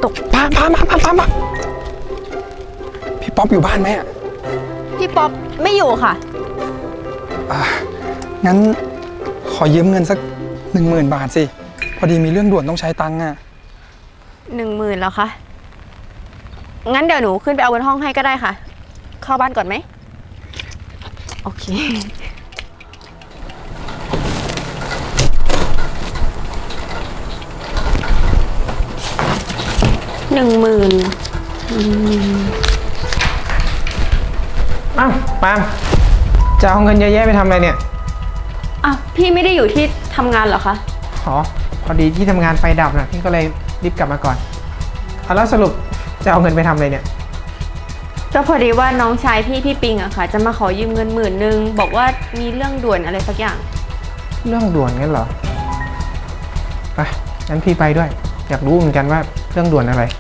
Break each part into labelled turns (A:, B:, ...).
A: ตก
B: พาพี่ป๊อปอยู่บ้านไหมอ่ะ
A: พี่ป๊อปไม่อยู่ค่ะ
B: งั้นขอยืมเงินสัก10,000 บาทสิพอดีมีเรื่องด่วนต้องใช้ตังค์อ่ะ
A: 10,000แล้วคะงั้นเดี๋ยวหนูขึ้นไปเอาบนห้องให้ก็ได้ค่ะเข้าบ้านก่อนไหมโอเค10,000
C: อ้าวปาล์มจะเอาเงินเยอะแยะไปทำอะไรเนี่ย
A: อ่ะพี่ไม่ได้อยู่ที่ทำงานเหรอคะ
C: อ๋อพอดีที่ทำงานไฟดับนะพี่ก็เลยรีบกลับมาก่อนแล้วสรุปจะเอาเงินไปทำอะไรเนี่ย
A: ก็พอดีว่าน้องชายพี่ปิงอะค่ะจะมาขอยืมเงิน10,000บอกว่ามีเรื่องด่วนอะไรสักอย่าง
C: เรื่องด่วนงั้นเหรอไปงั้นพี่ไปด้วยอยากรู้เหมือนกันว่าเรื่องด่วนอะไร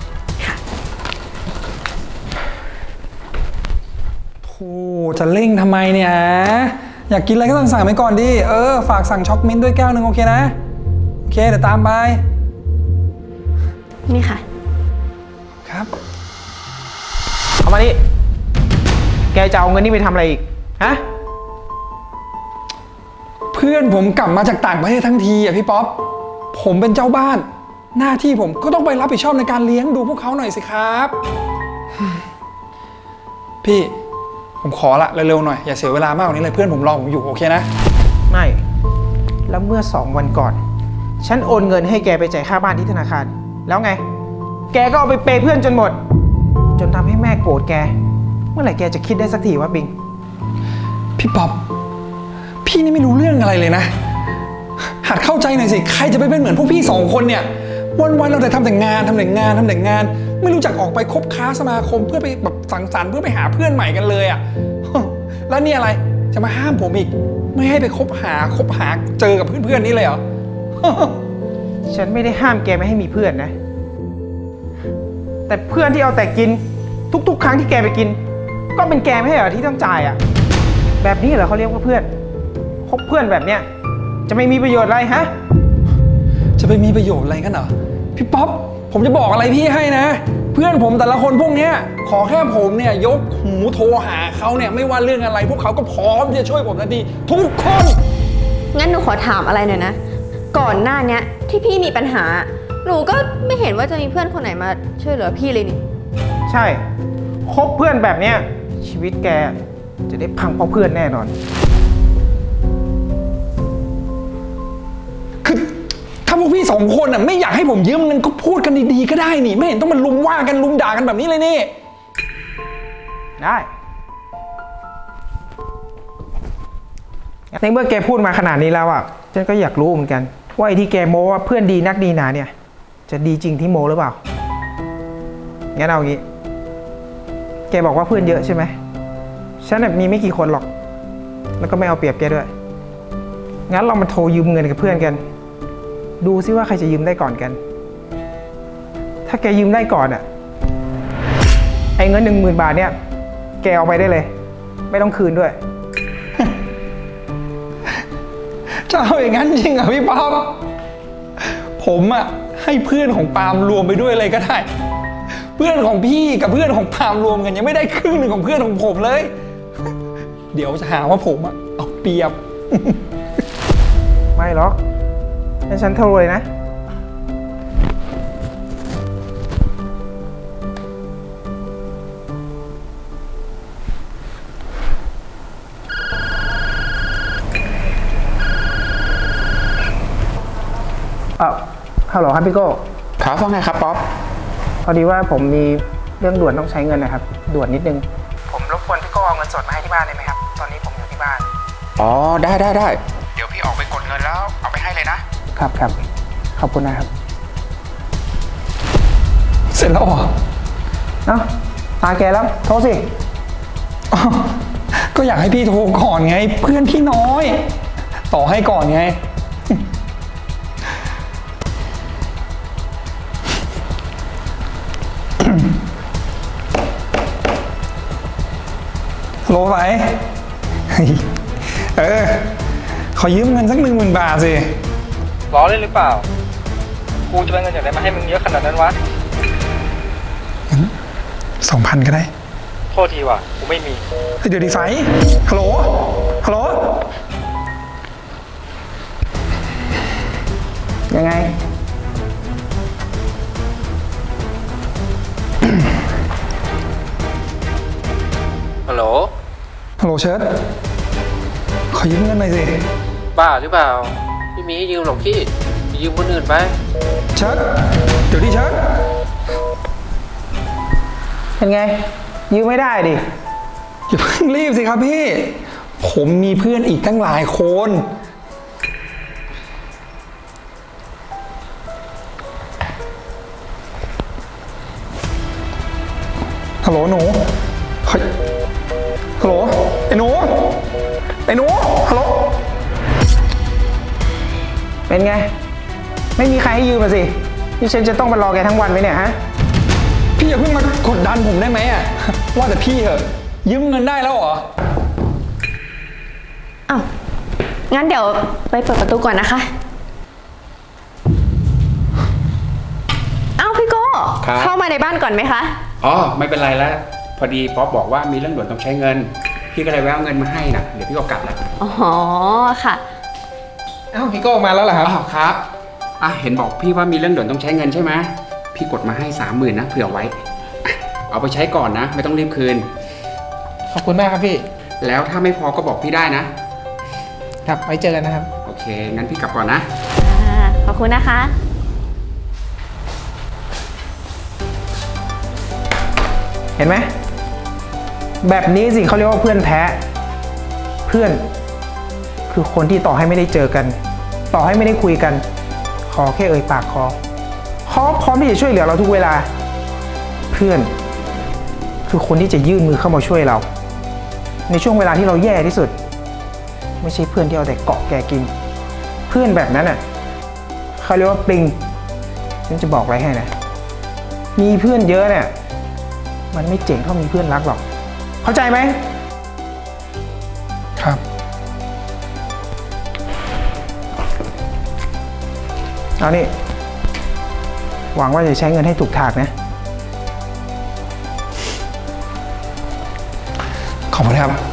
B: โธ่จะเร่งทำไมเนี่ยอยากกินอะไรก็ต้องสั่งไปก่อนดิฝากสั่งช็อกมิ้นด้วยแก้วนึงโอเคนะโอเคเดี๋ยวตามไป
A: นี่ค่ะ
B: ครับ
C: เอามานี่แกจะเอาเงินนี่ไปทำอะไรอีกฮะ
B: เพื่อนผมกลับมาจากต่างประเทศทั้งทีอ่ะพี่ป๊อปผมเป็นเจ้าบ้านหน้าที่ผมก็ต้องไปรับผิดชอบในการเลี้ยงดูพวกเขาหน่อยสิครับพี่ผมขอละเร็วๆหน่อยอย่าเสียเวลามากกว่านี้เลยเพื่อนผมรอผมอยู่โอเคนะ
C: ไม่แล้วเมื่อ2 วันก่อนฉันโอนเงินให้แกไปจ่ายค่าบ้านที่ธนาคารแล้วไงแกก็เอาไปเปย์เพื่อนจนหมดจนทำให้แม่โกรธแกเมื่อไหร่แกจะคิดได้สักทีวะบิง
B: พี่ป๊อปพี่นี่ไม่รู้เรื่องอะไรเลยนะหัดเข้าใจหน่อยสิใครจะไปเป็นเหมือนพวกพี่2 คนเนี่ยวันๆเราแต่ทำแต่งานไม่รู้จักออกไปคบค้าสมาคมเพื่อไปแบบสังสรรค์เพื่อไปหาเพื่อนใหม่กันเลยอ่ะแล้วนี่อะไรจะมาห้ามผมอีกไม่ให้ไปคบหาเจอกับเพื่อนๆนี่เลยเหรอ
C: ฉันไม่ได้ห้ามแกไม่ให้มีเพื่อนนะแต่เพื่อนที่เอาแต่กินทุกๆครั้งที่แกไปกินก็เป็นแกไม่ใช่เหรอที่ต้องจ่ายอ่ะแบบนี้เหรอเขาเรียกว่าเพื่อนคบเพื่อนแบบเนี้ยจะไม่มีประโยชน์อะไรฮะ
B: จะไปมีประโยชน์อะไรกันเหรอพี่ป๊อปผมจะบอกอะไรพี่ให้นะเพื่อนผมแต่ละคนพวกเนี้ยขอแค่ผมเนี่ยยกหูโทรหาเขาเนี่ยไม่ว่าเรื่องอะไรพวกเขาก็พร้อมที่จะช่วยผมทันทีทุกคน
A: งั้นหนูขอถามอะไรหน่อยนะก่อนหน้านี้ที่พี่มีปัญหาหนูก็ไม่เห็นว่าจะมีเพื่อนคนไหนมาช่วยเหลือพี่เลยนี่
C: ใช่คบเพื่อนแบบเนี้ยชีวิตแกจะได้พังเพราะเพื่อนแน่นอน
B: คือถ้าพวกพี่2 คนน่ะไม่อยากให้ผมยืมเงินก็พูดกันดีๆก็ได้นี่ไม่เห็นต้องมาลุมว่ากันลุมด่ากันแบบนี้เลยนี่
C: ได้ในเมื่อแกพูดมาขนาดนี้แล้วอ่ะฉันก็อยากรู้เหมือนกันว่าไอ้ที่แกโม้ว่าเพื่อนดีนักดีหนาเนี่ยจะดีจริงที่โม้หรือเปล่างั้นเอางี้แกบอกว่าเพื่อนเยอะใช่ไหมฉันแบบมีไม่กี่คนหรอกแล้วก็ไม่เอาเปรียบแกด้วยงั้นเรามาโทรยืมเงินกับเพื่อนกันดูซิว่าใครจะยืมได้ก่อนกันถ้าแกยืมได้ก่อนอ่ะไอ้เงิน10,000 บาทเนี่ยแกเอาไปได้เลยไม่ต้องคืนด้วย
B: จะเอาอย่างนั้นจริงเหรอพี่ป๊อปผมอ่ะให้เพื่อนของปาล์มรวมไปด้วยเลยก็ได้เพื่อนของพี่กับเพื่อนของปาล์มรวมกันยังไม่ได้ครึ่งหนึ่งของเพื่อนของผมเลยเดี๋ยวจะหาว่าผมอ่ะเอาเปรียบ
C: ไม่หรอกให้ฉันโทรเลยนะฮัลโหลครับพี่โก้
D: ครับว่าไงครับป๊อป
C: พอดีว่าผมมีเรื่องด่วนต้องใช้เงินนะครับด่วนนิดนึงผมรบกวนพี่โก้เอาเงินสดมาให้ที่บ้านได้ไหมครับตอนนี้ผมอยู่ที่บ้าน
D: อ๋อได้เดี๋ยวพี่ออกไปกดเงินแล้วเอาไปให้เลยนะครับ
C: ขอบคุณนะครับ
B: เสร็จแล้วเหรอ
C: เอ้าตาแกแล้วโทรสิ
B: ก็อยากให้พี่โทรก่อนไงเพื่อนพี่น้อยต่อให้ก่อนไงโลไปขอยืมเงินสัก10,000 บาทสิ
E: ล้อเล่นหรือเปล่ากูจะได้เงินจากไหนมาให้มึงเยอะขนาดนั้นวะ
B: 2,000 ก็ได้
E: โทษทีว่ะกูไม่มี
B: เฮ้ยเดี๋ยวดีไฟฮัลโหล ฮัลโหล
C: ยังไง
E: ฮัลโหล
B: ฮัลโหลเชิดขอยืมเงินหน่อยสิ
E: บ้าหรือเปล่า ไม่มีให้ยืมหรอกพี่ไปยืมคนอื่นไป
B: เชิดเดี๋ยวดิเชิด
C: เป็นไง ยืมไม่ได้ดิ
B: อย่าเพิ่งรีบสิครับพี่ ผมมีเพื่อนอีกตั้งหลายคน ฮัลโหลหนูเฮ้ยฮัลโหลไอ้หนู ไอ้หนู ฮัลโหล
C: เป็นไง ไม่มีใครให้ยืมมาสิ นี่ฉันจะต้องมารอแกทั้งวันไหมเนี่ยฮะ
B: พี่อย่าเพิ่งมากดดันผมได้ไหมอ่ะ ว่าแต่พี่เหอะยืมเงินได้แล้วเหรอ
A: อ้าว งั้นเดี๋ยวไปเปิดประตูก่อนนะคะ อ้าวพี่โก้
D: ครับ
A: เข้ามาในบ้านก่อนไหมคะ
D: อ๋อไม่เป็นไรแล้ว พอดีป๊อปบอกว่ามีเรื่องด่วนต้องใช้เงิน พี่ก็เลยแวะเอาเงินมาให้นะเดี๋ยวพี่ก็กลับแล้ว
A: อ๋อ ค่ะ
C: เอ้าพี่โก้มาแล้วเหรอครับ
D: อ๋อครับเห็นบอกพี่ว่ามีเรื่องด่วนต้องใช้เงินใช่ไหมพี่กดมาให้ 30,000นะเผื่อไว้อ่ะเอาไปใช้ก่อนนะ ไม่ต้องรีบคืน
C: ขอบคุณมากครับพี่
D: แล้วถ้าไม่พอก็บอกพี่ได้นะ
C: ครับ ไว้เจอกันนะครับ
D: โอเคงั้นพี่กลับก่อนนะ
A: ขอบคุณนะคะ
C: เห็นไหม แบบนี้สิเขาเรียกว่าเพื่อนแท้ เพื่อน คือคนที่ต่อให้ไม่ได้เจอกัน ต่อให้ไม่ได้คุยกัน ขอแค่เอ่ยปากขอพร้อมที่จะช่วยเหลือเราทุกเวลา เพื่อน คือคนที่จะยื่นมือเข้ามาช่วยเรา ในช่วงเวลาที่เราแย่ที่สุด ไม่ใช่เพื่อนที่เอาแต่เกาะแกกิน เพื่อนแบบนั้นน่ะเขาเรียกว่าปลิงฉันจะบอกอะไรให้นะ มีเพื่อนเยอะเนี่ย มันไม่เจ๋งเท่ามีเพื่อนรักหรอก เข้าใจไหม
B: ครับ
C: เอานี่ หวังว่าจะใช้เงินให้ถูกทางนะ
B: ขอบคุณครับ